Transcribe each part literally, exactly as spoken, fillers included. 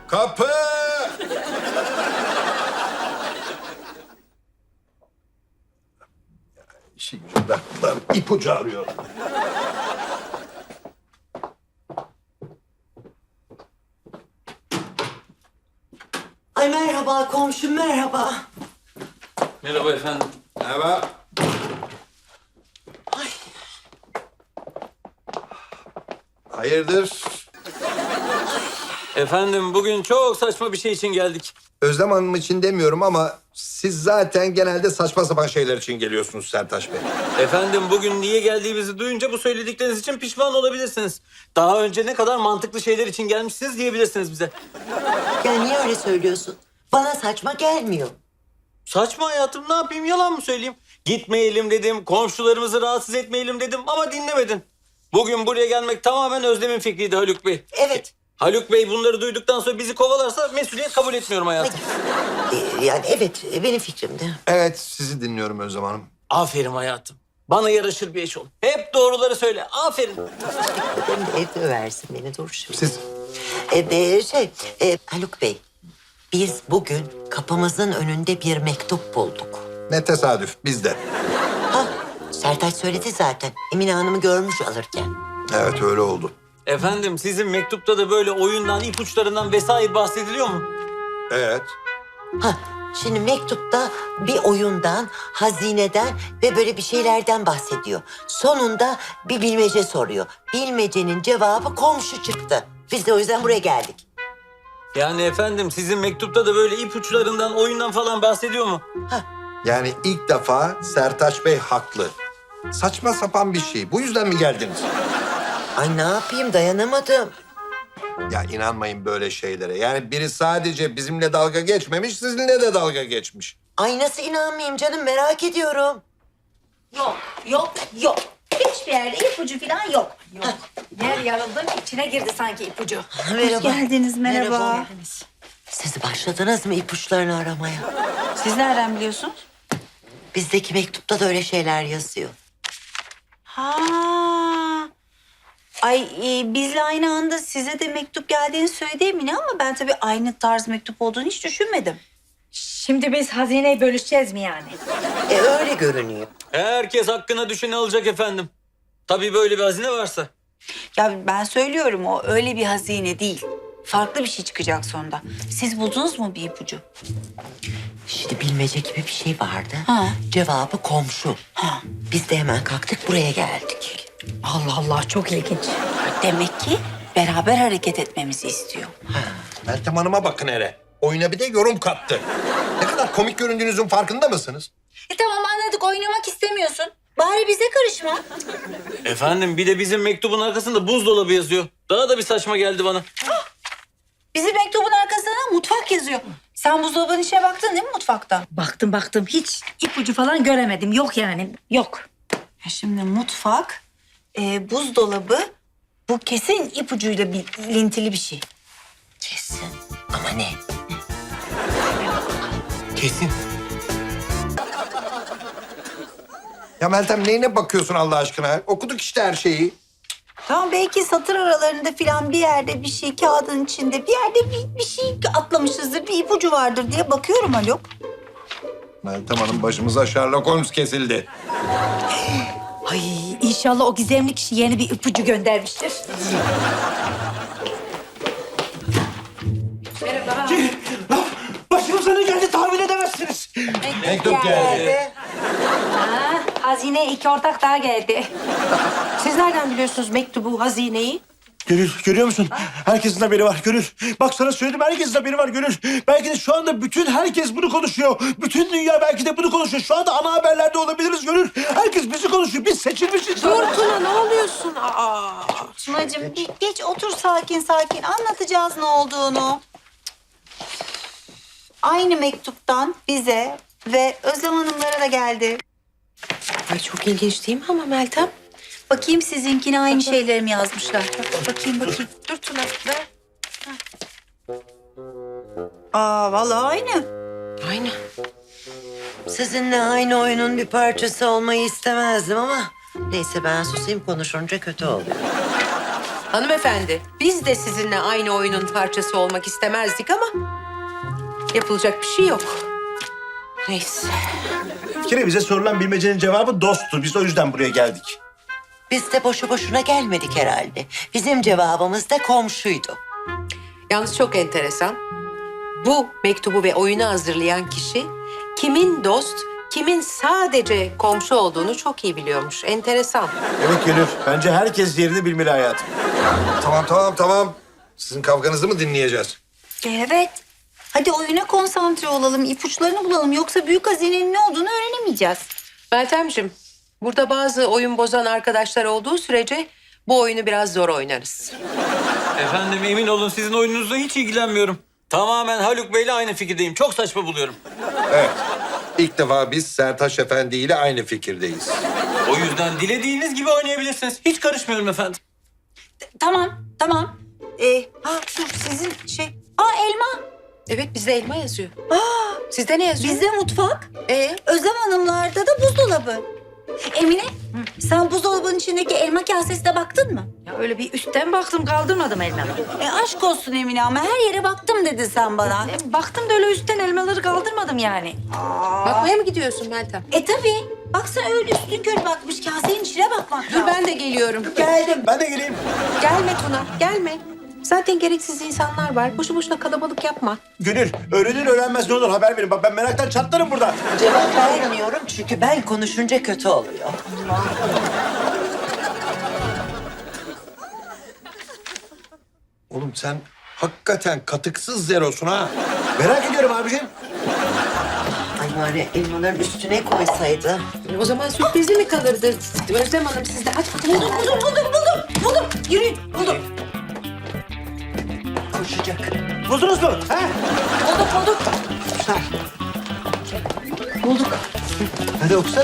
Kapı! İşi gücü bıraktılar. İpucu arıyor. Ay merhaba komşum, merhaba. Merhaba efendim. Merhaba. Ay, Hayırdır? Efendim bugün çok saçma bir şey için geldik. Özlem Hanım için demiyorum ama siz zaten genelde saçma sapan şeyler için geliyorsunuz Sertaç Bey. Efendim bugün niye geldiğimizi duyunca bu söyledikleriniz için pişman olabilirsiniz. Daha önce ne kadar mantıklı şeyler için gelmişsiniz diyebilirsiniz bize. ya niye öyle söylüyorsun? Bana saçma gelmiyor. Saçma hayatım, ne yapayım, yalan mı söyleyeyim? Gitmeyelim dedim, komşularımızı rahatsız etmeyelim dedim ama dinlemedin. Bugün buraya gelmek tamamen Özlem'in fikriydi Haluk Bey. Evet. Haluk Bey bunları duyduktan sonra bizi kovalarsa mesuliyet kabul etmiyorum hayatım. Ee, yani evet, benim fikrimdi. Evet, sizi dinliyorum Özlem Hanım. Aferin hayatım. Bana yaraşır bir eş ol. Hep doğruları söyle. Aferin. Benim de evde versin beni, dur şimdi. Siz Ee, e, şey, e, Haluk Bey, biz bugün kapımızın önünde bir mektup bulduk. ne tesadüf, biz de. Ha, Sertaç söyledi zaten. Emine Hanım'ı görmüş alırken. Evet, öyle oldu. Efendim sizin mektupta da böyle oyundan, ipuçlarından vesaire bahsediliyor mu? Evet. Ha, şimdi mektupta bir oyundan, hazineden ve böyle bir şeylerden bahsediyor. Sonunda bir bilmece soruyor. Bilmecenin cevabı komşu çıktı. Biz de o yüzden buraya geldik. Yani efendim sizin mektupta da böyle ipuçlarından, oyundan falan bahsediyor mu? Yani ilk defa Sertaç Bey haklı. Saçma sapan bir şey. Bu yüzden mi geldiniz? Ay ne yapayım, dayanamadım. Ya inanmayın böyle şeylere. Yani biri sadece bizimle dalga geçmemiş, sizinle de dalga geçmiş. Ay nasıl inanmayayım canım, merak ediyorum. Yok, yok, yok. Hiçbir yerde ipucu falan yok. Yok. Yer yarıldı, içine girdi sanki ipucu. Merhaba. Hoş geldiniz, merhaba. Merhaba. Siz başladınız mı ipuçlarını aramaya? Siz nereden biliyorsunuz? Bizdeki mektupta da öyle şeyler yazıyor. Ha. Ay e, bizle aynı anda size de mektup geldiğini söyledi Emine ama ben tabii aynı tarz mektup olduğunu hiç düşünmedim. Şimdi biz hazineyi bölüşeceğiz mi yani? E öyle görünüyor. Herkes hakkına düşeni alacak efendim. Tabii böyle bir hazine varsa. Ya ben söylüyorum, o öyle bir hazine değil. Farklı bir şey çıkacak sonunda. Siz buldunuz mu bir ipucu? Şimdi bilmece gibi bir şey vardı. Ha. Cevabı komşu. Ha. Biz de hemen kalktık buraya geldik. Allah Allah, çok ilginç. Demek ki beraber hareket etmemizi istiyor. Meltem Hanım'a bakın hele. Oyuna bir de yorum kattı. Ne kadar komik göründüğünüzün farkında mısınız? E tamam anladık, oynamak istemiyorsun. Bari bize karışma. Efendim bir de bizim mektubun arkasında buzdolabı yazıyor. Daha da bir saçma geldi bana. Bizim mektubun arkasında mutfak yazıyor. Sen buzdolabının içine baktın değil mi mutfakta? Baktım baktım, hiç ipucu falan göremedim. Yok yani, yok. Ya şimdi mutfak, e, buzdolabı, bu kesin ipucuyla bir ilintili bir şey. Kesin. Ama ne? Kesin. Ya Meltem neyine bakıyorsun Allah aşkına? Okuduk işte her şeyi. Tamam, belki satır aralarında filan bir yerde bir şey, kağıdın içinde bir yerde bir, bir şey atlamışızdır, bir ipucu vardır diye bakıyorum Haluk. Meltem Hanım başımıza Sherlock Holmes kesildi. Ay inşallah o gizemli kişi yeni bir ipucu göndermiştir. Başımıza ne geldi tahmin edemezsiniz. Mektup geldi. Ha, hazine iki ortak daha geldi. Siz nereden biliyorsunuz mektubu, hazineyi? Gönül, görüyor musun? Herkesin haberi var Gönül. Bak sana söyledim, herkesin haberi var Gönül. Belki de şu anda bütün herkes bunu konuşuyor. Bütün dünya belki de bunu konuşuyor. Şu anda ana haberlerde olabiliriz Gönül. Herkes bizi konuşuyor. Biz seçilmişiz. Dur Tuna, ne oluyorsun? Aa. Tunacığım bir geç otur sakin sakin, anlatacağız ne olduğunu. Aynı mektuptan bize ve Özlem Hanımlara da geldi. Ay çok ilginç değil mi ama Meltem? Bakayım sizinkine aynı şeyleri mi yazmışlar? Bakayım bakayım. Dur Tuna ver. Aa vallahi aynı. Aynı. Sizinle aynı oyunun bir parçası olmayı istemezdim ama... Neyse ben susayım, konuşunca kötü oluyor. Hanımefendi, biz de sizinle aynı oyunun parçası olmak istemezdik ama yapılacak bir şey yok. Neyse. Bir kere bize sorulan bilmecenin cevabı dosttu. Biz o yüzden buraya geldik. Biz de boşu boşuna gelmedik herhalde. Bizim cevabımız da komşuydu. Yalnız çok enteresan. Bu mektubu ve oyunu hazırlayan kişi kimin dost, kimin sadece komşu olduğunu çok iyi biliyormuş. Enteresan. Evet Gönül. Bence herkes yerini bilmeli hayatım. Tamam tamam tamam. Sizin kavganızı mı dinleyeceğiz? Evet. Hadi oyuna konsantre olalım, ipuçlarını bulalım. Yoksa büyük hazinenin ne olduğunu öğrenemeyeceğiz. Meltemciğim, burada bazı oyun bozan arkadaşlar olduğu sürece bu oyunu biraz zor oynarız. Efendim emin olun sizin oyununuzla hiç ilgilenmiyorum. Tamamen Haluk Bey'le aynı fikirdeyim. Çok saçma buluyorum. Evet. İlk defa biz Sertaç Efendi ile aynı fikirdeyiz. O yüzden dilediğiniz gibi oynayabilirsiniz. Hiç karışmıyorum efendim. Tamam, tamam. Ee, ha dur sizin şey... Aa elma. Evet, bizde elma yazıyor. Aa, sizde ne yazıyor? Bizde mutfak. Ee? Özlem Hanımlarda da buzdolabı. Emine, sen buzdolabının içindeki elma kasesine baktın mı? Ya öyle bir üstten baktım kaldırmadım elmaları. E aşk olsun Emine ama her yere baktım dedi sen bana. E, baktım da öyle üstten elmaları kaldırmadım yani. Bakmaya mı gidiyorsun Meltem? E tabii. Baksana öyle üstün körü bakmış kasenin içine bakmak Dur ben de geliyorum. Geldim. Ben de geleyim. Gelme Tuna, gelme. Zaten gereksiz insanlar var. Boşu boşuna kalabalık yapma. Gönül, öğrenir öğrenmez ne olur haber verin. Bak ben meraktan çatlarım burada. Cevap vermiyorum çünkü ben konuşunca kötü oluyor. Oğlum sen hakikaten katıksız zerosun ha. Merak ediyorum abiciğim. Ay bari elmaların üstüne koysaydı. O zaman sürprizi mi kalırdı? Özlem Hanım siz de aç bakalım. Buldum, buldum, buldum, buldum. Buldum. Yürüyün, buldum. Koşacak. Buldunuz mu? He? Bulduk, bulduk. Bulduk. Hadi okusana.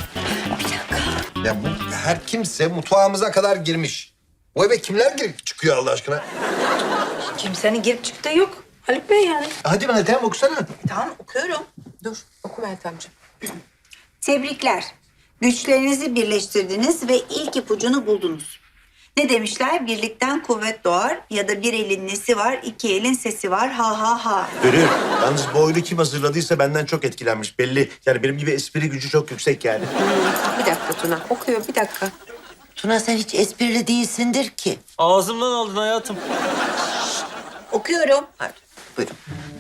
Ya bu her kimse mutfağımıza kadar girmiş. Bu eve kimler girip çıkıyor Allah aşkına? Kimsenin girip çıktığı yok. Haluk Bey yani. Hadi bana tamam okusana. Tamam, okuyorum. Dur, oku Meltemciğim. Tebrikler. Güçlerinizi birleştirdiniz ve ilk ipucunu buldunuz. Ne demişler? Birlikten kuvvet doğar ya da bir elin nesi var, iki elin sesi var. Ha ha ha. Gönül, yalnız bu oyunu kim hazırladıysa benden çok etkilenmiş belli. Yani benim gibi espri gücü çok yüksek yani. Bir dakika Tuna, okuyor bir dakika. Tuna sen hiç esprili değilsindir ki. Ağzımdan aldın hayatım. Okuyorum. Hadi buyurun.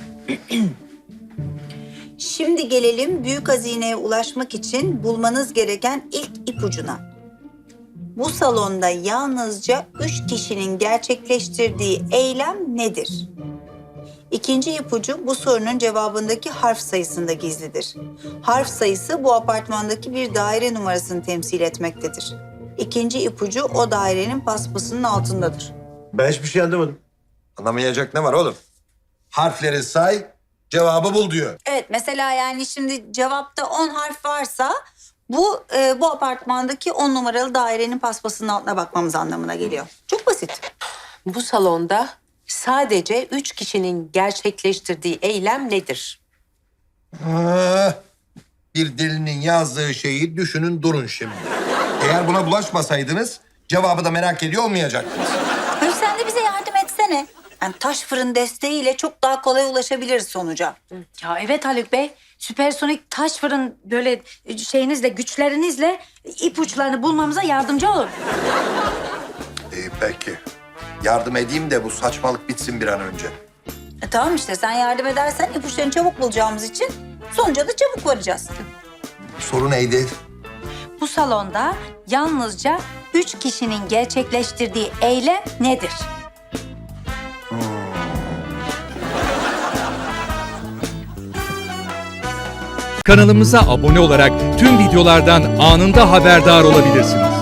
Şimdi gelelim büyük hazineye ulaşmak için bulmanız gereken ilk ipucuna. Bu salonda yalnızca üç kişinin gerçekleştirdiği eylem nedir? İkinci ipucu bu sorunun cevabındaki harf sayısında gizlidir. Harf sayısı bu apartmandaki bir daire numarasını temsil etmektedir. İkinci ipucu o dairenin paspasının altındadır. Ben hiçbir şey anlamadım. Anlamayacak ne var oğlum? Harfleri say, cevabı bul diyor. Evet, mesela yani şimdi cevapta on harf varsa bu e, bu apartmandaki on numaralı dairenin paspasının altına bakmamız anlamına geliyor. Çok basit. Bu salonda sadece üç kişinin gerçekleştirdiği eylem nedir? Ah, bir delinin yazdığı şeyi düşünün durun şimdi. Eğer buna bulaşmasaydınız cevabı da merak ediyor olmayacaktınız. Hayır, sen de bize yardım etsene. Yani taş fırın desteğiyle çok daha kolay ulaşabiliriz sonuca. Ya evet Haluk Bey. Süpersonik taş fırın böyle şeyinizle, güçlerinizle ipuçlarını bulmamıza yardımcı olun. İyi peki. Yardım edeyim de bu saçmalık bitsin bir an önce. E, tamam işte sen yardım edersen ipuçlarını çabuk bulacağımız için sonuca da çabuk varacağız. Soru neydi? Bu salonda yalnızca üç kişinin gerçekleştirdiği eylem nedir? Kanalımıza abone olarak tüm videolardan anında haberdar olabilirsiniz.